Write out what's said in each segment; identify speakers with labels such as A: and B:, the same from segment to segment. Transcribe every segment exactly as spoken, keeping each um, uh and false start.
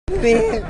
A: ปี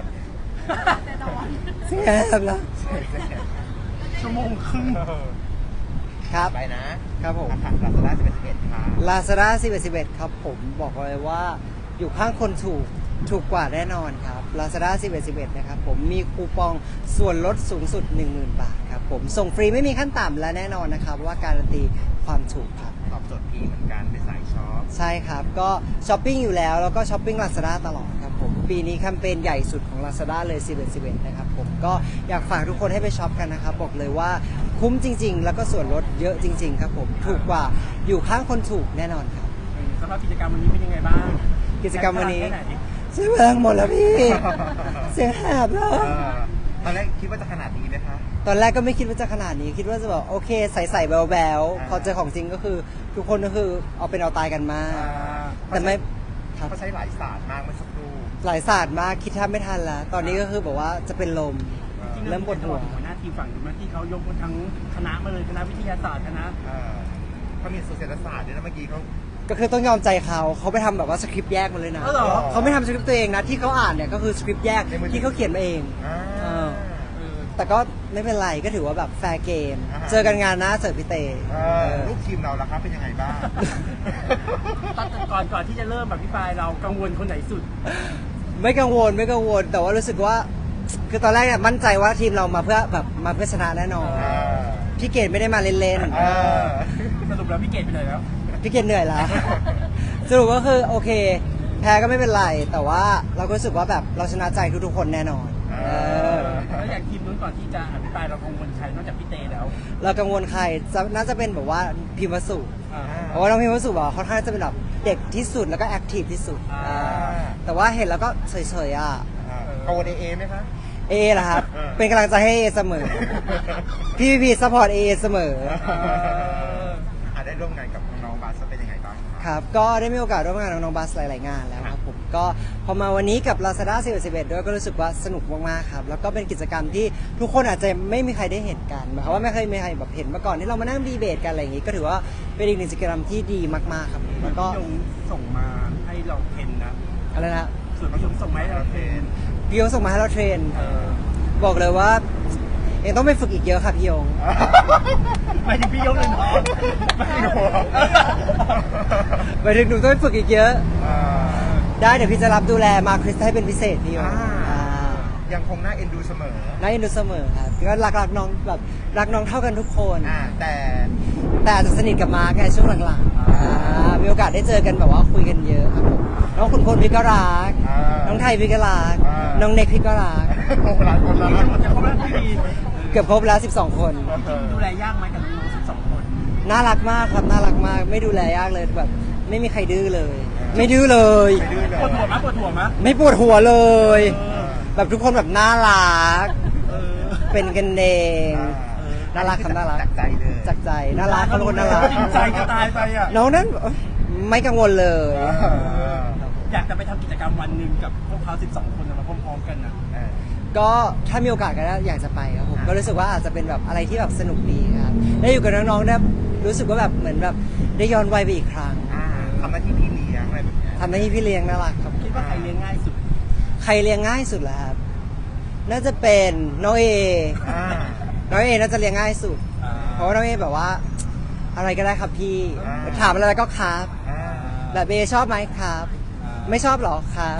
A: เสียบแล้ว
B: ชั่วโมงครึ่ง
A: ครับ
B: ไปนะครับ
A: ผม
B: ลาซาด้าสิบเอ็ดสิบเอ็ดครับ
A: ลาซาด้าสิบเอ็ดสิบเอ็ดครับผมบอกเลยว่าอยู่ข้างคนถูกถูกกว่าแน่นอนครับลาซาด้าสิบเอ็ดสิบเอ็ดนะครับผมมีคูปองส่วนลดสูงสุด หนึ่งหมื่น บาทครับผมส่งฟรีไม่มีขั้นต่ำและแน่นอนนะครับว่าการันตีความถูกครับ
B: ตอบโจทย์พี่เหมือนกันเป็นสายช็อป
A: ใช่ครับก็ช้อปปิ้งอยู่แล้วแล้วก็ช้อปปิ้ง Lazada ตลอดครับผมปีนี้แคมเปญใหญ่สุดของ Lazada เลยสิบเอ็ดสิบเอ็ดนะครับผมก็อยากฝากทุกคนให้ไปช็อปกันนะครับบอกเลยว่าคุ้มจริงๆแล้วก็ส่วนลดเยอะจริงๆครับผมถูกกว่าอยู่ข้างคนถูกแน่นอนครับ
B: สำหรับกิจกรรมวันนี้เป็นยังไงบ้าง
A: กิจกรรมวันนี้เสียงแรงหมดแล้วพี่เสียงแหบแล้ว
B: ตอนแรกคิดว่าจะขนาดนี้ไหมคะ
A: ตอนแรกก็ไม่คิดว่าจะขนาดนี้คิดว่าจะแบบโอเคใส่ๆแบวๆพอเจอของจริงก็คือทุกคนก็คือเอาเป็นเอาตายกันมากแต่ไม่
B: เขาใช้หลายศาสตร์มากเมื่อสักครู่
A: หลายศาสตร์มากคิดแทบไม่ทันแล้วตอนนี้ก็คือบอกว่าจะเป็นลมเริ่มปวดหัว
B: หัวหน้าทีมฝั่งนู้นที่เขายกทั้งคณะมาเลยคณะวิทยาศาสตร์คณะเขามีเศรษฐศาสตร์ด้วยนะเมื่อกี้เขา
A: ก็คือต้องยอมใจเขาเขาไปทำแบบว่าสคริปต์แยกมาเลยนะเขาไม่ทำสคริปต์ตัวเองนะที่เขาอ่านเนี่ยก็คือสคริปต์แยกที่เขาเขียนมาเองแต่ก็ไม่เป็นไรก็ถือว่าแบบแฟร์เกมเจอกันงานนะเสิร์ฟพี่เต้
B: ลูกทีมเราล่ะครับเป็นยังไงบ้างตอนก่อนก่อนที่จะเริ่มแบบพี่ปายเรากังวลคนไหนสุด
A: ไม่กังวลไม่กังวลแต่ว่ารู้สึกว่าคือตอนแรกเนี่ยมั่นใจว่าทีมเรามาเพื่อแบบมาเพื่อชนะแน่นอนพี่เกดไม่ได้มาเล่น
B: ๆสรุปแล้วพี่เกดไปเลยแล้ว
A: พี่เกดเหนื่อยแล้วสรุปก็คือโอเคแพ้ก็ไม่เป็นไรแต่ว่าเราก็รู้สึกว่าแบบเราชนะใจทุกๆคนแน่นอน
B: แล้วอย่างทีมนู้นก่อนที่จะอภิปรายเรากังวลใครนอกจากพี่เตแล้ว
A: เรากังวลใครน่าจะเป็นแบบว่าพิมพ์วสุเพราะว่าน้องพิมพ์วสุบอกเขาท่านจะเป็นแบบเด็กที่สุดแล้วก็แอคทีฟที่สุดแต่ว่าเห็นแล้วก็เฉยๆอ่ะ
B: กังวลเอเอไหมคะ
A: เอเหรอครับเป็นกำลังใจให้เอเสมอพี่พีซัพพอร์ตเอเสมอ
B: ได้ร่วมงานกับน้องๆบัสเป็นยังไงบ้าง
A: ครับก็ได้มีโอกาสร่วมงานกับน้องๆบัสหลายๆงานแล้วครับผมก็พอมาวันนี้กับ Lazada สิบเอ็ดสิบเอ็ดด้วยก็รู้สึกว่าสนุกมากๆครับแล้วก็เป็นกิจกรรมที่ทุกคนอาจจะไม่มีใครได้เห็นกันหมายความว่าไม่เคยมีใครแบบเห็นมาก่อนที่เรามานั่งดีเบตกันอะไรอย่างนี้ก็ถือว่าเป็นอีกหนึ่งกิจกรรมที่ดีมากๆครับแล้วก็
B: ยงส่งมาให้เราเทรนนะ
A: อะไรนะ
B: ส่วนผสมส่งมาให้เราเทรน
A: พี่ยงส่งมาให้เราเทรนบอกเลยว่าเองต้องไปฝึกอีกเยอะค่ะพี่ยง
B: ไปถึงพี่ยงเลยเนาะไม่ถึงหัว
A: ไปถึงหนูต้องไปฝึกอีกเยอะได้เดี๋ยวพี่จะรับดูแลมาคริสให้เป็นพิเศษพี่ยง
B: ยังคงน่าเอ็นดูเสมอ
A: น่าเอ็นดูเสมอครับก็รักรักน้องแบบรักน้องเท่ากันทุกคน
B: แต่
A: แต่จะสนิทกับมาร์กไงช่วงหลังๆมีโอกาสได้เจอกันแบบว่าคุยกันเยอะครับผมน้องขุนพลพี่ก็รักน้องไทยพี่ก็รักน้องเน็กพี่ก็รัก
B: หลายคนแล้วจะครบแล้วพี่
A: เกือบครบแล้วสิบสองคน
B: ดูแลยากไหมกับน้องสิบสองคน
A: น่ารักมากครับน่ารักมากไม่ดูแลยากเลยแบบไม่มีใครดื้อเลยไม่ดื้อเลย
B: ปวดหัวมั้ยปวดหัวมั้ย
A: ไม่ปวดหัวเลยแบบทุกคนแบบน่ารักเป็นกันเองน่ารักครับน่ารัก
B: จากใจเลย
A: จากใจน่ารักเขาเป็นคนน่ารัก
B: จริงใจจะตายไปอ่ะ
A: น้องนั้นไม่กังวลเลย
B: อยากจะไปทำกิจกรรมวันหนึ่งกับพวกเขาสิบสองคนมาพร้อมๆกันนะ
A: ก็ถ้ามีโอกาสก็อยากจะไปครับผมก็รู้สึกว่าอาจจะเป็นแบบอะไรที่แบบสนุกดีครับได้อยู่กับน้องๆได้รู้สึกว่าแบบเหมือนแบบได้ย้อนวัยไปอีกครั้ง
B: ทำหน้าที่พี่เลี้ยงอะไรแบบนี้
A: ทำหน้าที่พี่เลี้ยงน่ารักครับ
B: คิดว่าใครเลี้ยงง่ายสุด
A: ใครเลี้ยงง่ายสุดล่ะครับน่าจะเป็นน้องเอน้องเอน่าจะเลี้ยงง่ายสุดเพราะว่าน้องเอแบบว่าอะไรก็ได้ครับพี่ถามอะไรก็ครับแบบเอชอบไหมครับไม่ชอบหรอครับ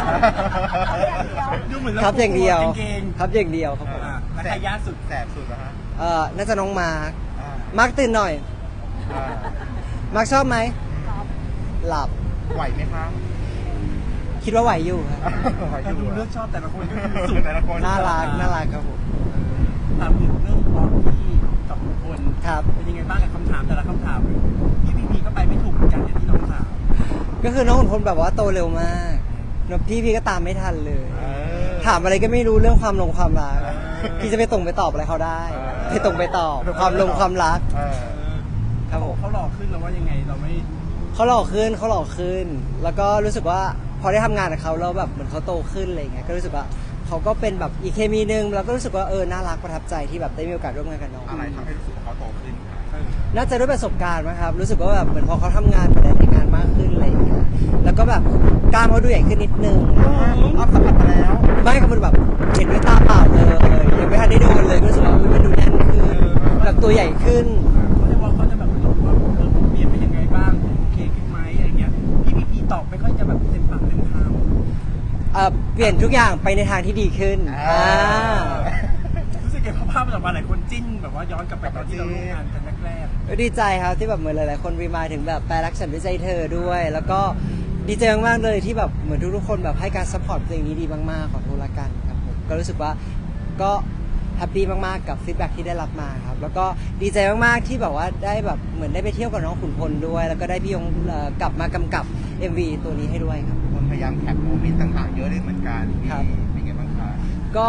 A: ครับอย่างเดียวครับอย่างเดียวครับผม
B: ใครยากสุดแสบสุดนะฮะ
A: เออน่าจะน้องมาร์คมาร์คตื่นหน่อยมาร์คชอบไหมหลับ
B: ไหวไหมครับ
A: คิดว่าไหวอยู่ครับ
B: แต่ดูเลือกชอบแต่ละคนก็คือสุดแต่ละคน
A: น่ารักน่ารักครับผม
B: ถามถึงเรื่องพอที่กับบุคคล
A: ครับ
B: เป็นยังไงบ้างกับคำถามแต่ละคำถามพี่พีพีก็ไปไม่ถูกเหมือนกันอย่างที่น้องถาม
A: ก็คือน้องขุนพลแบบว่าโตเร็วมากพี่พี่ก็ตามไม่ทันเลยถามอะไรก็ไม่รู้เรื่องความลงความรักพี่จะไปตรงไปตอบอะไรเขาได้ไปตรงไปตอบความลงความรัก
B: ครับผมเขาหล่อขึ้นแล้วว่ายังไงเราไม่
A: เขาหล่อขึ้นเขาหล่อขึ้นแล้วก็รู้สึกว่าพอได้ทำงานกับเขาแล้วแบบเหมือนเขาโตขึ้นอะไรเงี้ยก็รู้สึกว่าเขาก็เป็นแบบอีกเคมีนึงแล้วก็รู้สึกว่าเออน่ารักประทับใจที่แบบได้มีโอกาสร่วมงานกับน้อง
B: อะไรทำให้รู้สึกว่าเขาโตขึ้น
A: น่าจะด้วยประสบการณ์มั้งครับรู้สึกว่าแบบเหมือนพอเขาทำงานหลายๆงานมากขึ้นอะไรอย่างเงี้ยแล้วก็แบบกล้ามเขาดูใหญ่ขึ้นนิดนึง
B: อัพสัมผัสมาแล้ว
A: ไม่ก็มันแบบเห็นด้วยตาเปล่าเลยยังไม่ทันได้โดนเลยก็รู้สึกว่าอุ๊ยมันดูแน่นขึ้นแบบตัวใหญ่ขึ้น
B: เขาจะว่าเขาจะแบบรู้ว่าเออผมเปลี่ยนไปยังไงบ้างโอเคขึ้นไหมอะไรเงี้ยพี่พีพีตอบไม่ค่อยจะแบบเต็มปากเต็มคำ
A: เอ่อเปลี่ยนทุกอย่างไปในทางที่ดีขึ้นอ่า
B: รู้สึกไงพอภาพมันออกมาหลายคนจิ้นแบบว่าย้อนกลับไปตอนที่เราร่วมงานกันแรก
A: ก็ดีใจครับที่แบบเหมือนหลายๆคนรีมายถึงแบบแปลรักฉันด้วยใจเธอด้วย แล้วก็ดีใจมากๆเลยที่แบบเหมือนทุกๆคนแบบให้การซัพพอร์ตเพลงนี้ดีมากๆขอโทษละกันครับผมก็รู้สึกว่าก็แฮปปี้มากๆกับฟีดแบ็กที่ได้รับมาครับแล้วก็ดีใจมากๆที่แบบว่าได้แบบเหมือนได้ไปเที่ยวกับน้องขุนพลด้วย แล้วก็ได้พี่ยงเอ่อกลับมากำกับ เอ็ม วี ตัวนี้ให้ด้วยครับ
C: คนพยายามแคปโมเมนต์ต่างๆเยอะเลยเหมือนกันพี่
A: ครับ
C: เป็นไงบ้างคะ
A: ก็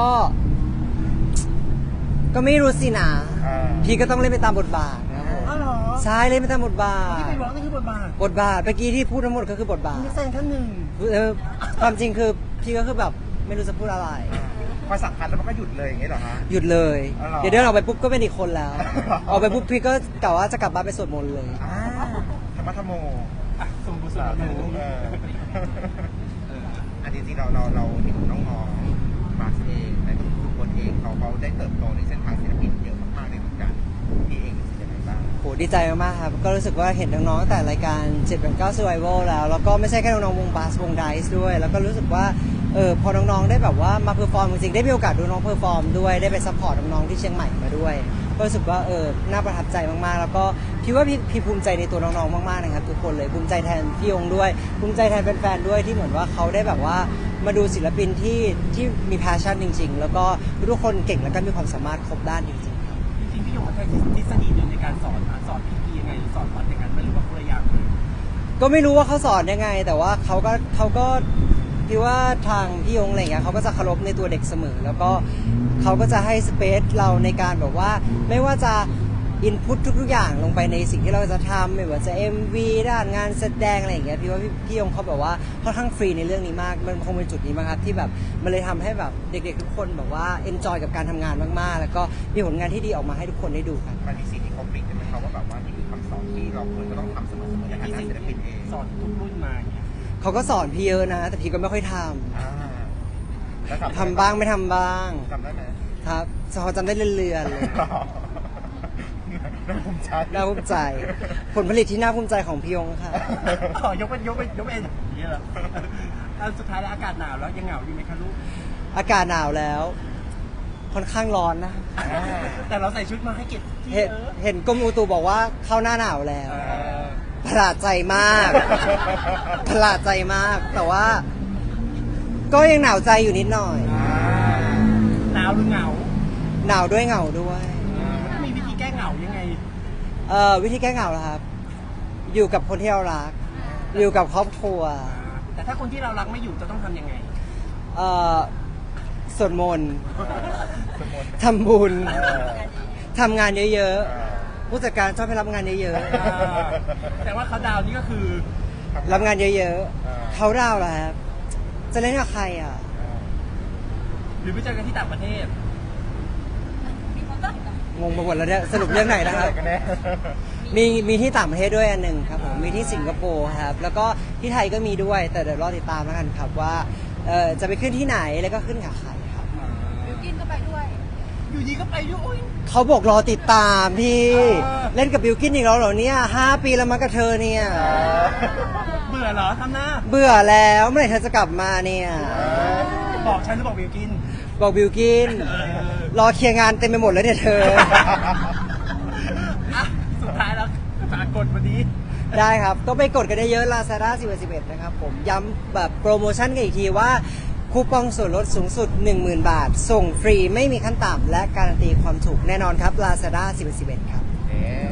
A: ก็ไม่รู้สินะ
C: อ่า
A: พี่ก็ต้องเล่นไปตามบทบาทนะครับผม
B: ๆอ๋อเหรอ
A: ใช่เล่นไปตามบทบาท
B: ที่ไปร้องนี่คือบทบาท
A: บทบาทเมื่อกี้ที่พูดทั้งหมดก็คือบทบาท
B: นักแสดงท่านหนึ่ง
A: เออความจริงคือพี่ก็คือแบบไม่รู้จะพูดอะไร
C: พอสัมผัสแล้วมันก็หยุดเลยอย่างเงี้ยเหรอฮะ
A: หยุดเลย
C: อ๋อเหรอ
A: เดี๋ยวเดินออกไปปุ๊บก็เป็นอีกคนแล้ว ออกไปปุ๊บพี่ก็กะว่าจะกลับบ้านไปสวดมนต์เลย
C: อ่าธรรมะธรรมโม
B: อ่ะสมบูรณ์สุด
C: สา
B: แล้ว
C: ธุเออเอออันจริงๆเราเราเราเห็นน้องๆมาสเองและทุกคนเองเขาเขาได้เติบโตในเส้นทางศิลปินเยอะมากๆเลยเหมือนกันพี่เองรู้สึกยังไงบ้าง
A: โหดีใจมากๆครับ ก็รู้สึกว่าเห็นน้องๆตั้งแต่รายการเจ็ด แปด เก้า Survival แล้ว แล้วก็ไม่ใช่แค่น้องๆวงบาสวงไดซ์ด้วย แล้วก็รู้สึกว่าเออพอน้องๆได้แบบว่ามาเพอร์ฟอร์มจริงๆได้มีโอกาสดูน้องเพอร์ฟอร์มด้วยได้ไปซัพพอร์ตน้องๆที่เชียงใหม่มาด้วยก็รู้สึกว่าเออน่าประทับใจมากๆ แล้วก็พี่ว่าพี่พี่ภูมิใจในตัวน้องๆมากๆนะครับทุกคนเลยภูมิใจแทนพี่ยงด้วย ภูมิใจแทนแฟนๆด้วยที่เหมือนว่าเขาได้แบบว่ามาดูศิลปินที่ที่มี passion จริง ๆ แล้วก็ทุกคนเก่งแล้วก็มีความสามารถครบด้านจริงๆครับ
B: จริงๆพี่หยงเขาใช้ทฤษฎีเดียวในการสอนอ่ะสอนพีพียังไงหรือสอนวัดอย่างนั้นไม่รู้ว่าคนละอย่างเลย
A: ก็ไม่รู้ว่าเขาสอนยังไง แต่ว่าเขาก็เขาก็พี่ว่าทางพี่ยงอะไรเงี้ยเขาก็จะเคารพในตัวเด็กเสมอ แล้วก็เขาก็จะให้สเปซเราในการแบบว่า ไม่ว่าจะอินพุตทุกๆอย่างลงไปในสิ่งที่เราจะทำไม่ว่าจะ เอ็ม วี ด้านงานแสดงอะไรอย่างเงี้ยพี่ว่าพี่พี่ยงเขาแบบว่าค่อนข้างฟรีในเรื่องนี้มากมันคงเป็นจุดนี้มั้งครับที่แบบมันเลยทำให้แบบเด็กๆทุกคนแบบว่าเอนจอยกับการทำงานมากๆ แล้วก็มีผลงานที่ดีออกมาให้ทุกคนได้ดูกัน
C: มันมีสิ่งที่คอมพลีทใช่ไหมครับว่าแบบว่านี่คือคำสอนที่เราควรจะต้องทำเสมอๆในฐานะศิลปินเอง
B: สอนทุกรุ่นมาอย่างเงี้ย
A: เขาก็สอนพี่เยอะนะ แต่พี่ก็ไม่ค่อยทำ
C: อ่าแล้ว
A: ทำบ้างไม่ทำบ้าง
C: จำได้ไหม
A: ครับเขาจำได้เรื่อยๆเลย
C: น่าภูมิใจ
A: น่าภูมิใจ ผลผลิตที่น่าภูมิใจของพี่ยงค่ะ
B: อ๋อยกเป็นยกเป็นยกเป็นอย่างนี้เหรออันสุดท้ายแล้วอากาศหนาวแล้วยังเหงาอยู่ไหมคะลูก
A: อากาศหนาวแล้ว ค่อนข้างร้อนนะ
B: แต่เราใส่ชุดมาให้เกียรติที่
A: เห็น
B: เออ
A: เห็นกรมอุตุบอกว่าเข้าหน้าหนาวแล้ว
B: เออ
A: ประหลาดใจมาก ประหลาดใจมาก แต่ว่า ก็ยังหนาวใจอยู่นิดหน่อย
B: หนาวหรือเหงา
A: หนาวด้วยเหงาด้วย
B: มันมีวิธีแก้เหงายังไง
A: เอ่อวิธีแก้เหงาเหรอครับ อยู่กับคนที่เรารัก อยู่กับครอบครัว
B: แต่ถ้าคนที่เรารักไม่อยู่จะต้องทำยังไง
A: เอ่อสวดมนต์
C: สมมติ
A: ทำบุญ
C: เออ
A: ทำงานเยอะ
C: เออ
A: ๆ ผู้จัดการชอบให้รับงานเยอะ
B: แต่ว่าเขาดาวน์นี่ก็คือ
A: ๆ รับงานเยอะๆ เขาดาวน์เหรอครับ จะเล่นกับใครอ่ะ
B: หรือไปเจอกันที่ต่างประเทศ
A: งงไปหมดแล้วเนี่ย สรุปเรื่องไหนนะครับ
C: กันแน่
A: มีมีที่ต่างประเทศด้วยอันหนึ่งครับผม มีที่สิงคโปร์ครับ แล้วก็ที่ไทยก็มีด้วย แต่เดี๋ยวรอติดตามแล้วกันครับว่าเอ่อจะไปขึ้นที่ไหนแล้วก็ขึ้นกับใครครับ
D: กินก็ไปด้วย
B: อยู่ดีก็ไปด้วยอุ๊ย
A: เขาบอกรอติดตามพี่
B: เออ
A: เล่นกับบิวกินอีกแล้วเหรอเนี่ยห้าปีแล้วมากับเธอเนี่ย
B: เบื่อเหรอทำหน้า
A: เบื่อแล้วเมื่อไหร่เธอจะกลับมาเนี่ย
B: บอกฉันหรือบอกวิวกิน
A: บอกบิวกิน รอเคลียร์งานเต็มไปหมดแล้วเนี่ยเธอ
B: อ่ะสุดท้ายแล้วฝากกดวันนี้
A: ได้ครับ ก็ไปกดกันได้เยอะ Lazada สิบ สิบเอ็ดนะครับผม ย้ำแบบโปรโมชั่นกันอีกทีว่า คูปองส่วนลดสูงสุด หนึ่งหมื่น บาท ส่งฟรีไม่มีขั้นต่ำและการันตีความถูกแน่นอนครับ Lazada สิบ สิบเอ็ดครับ
C: เอ๊ะ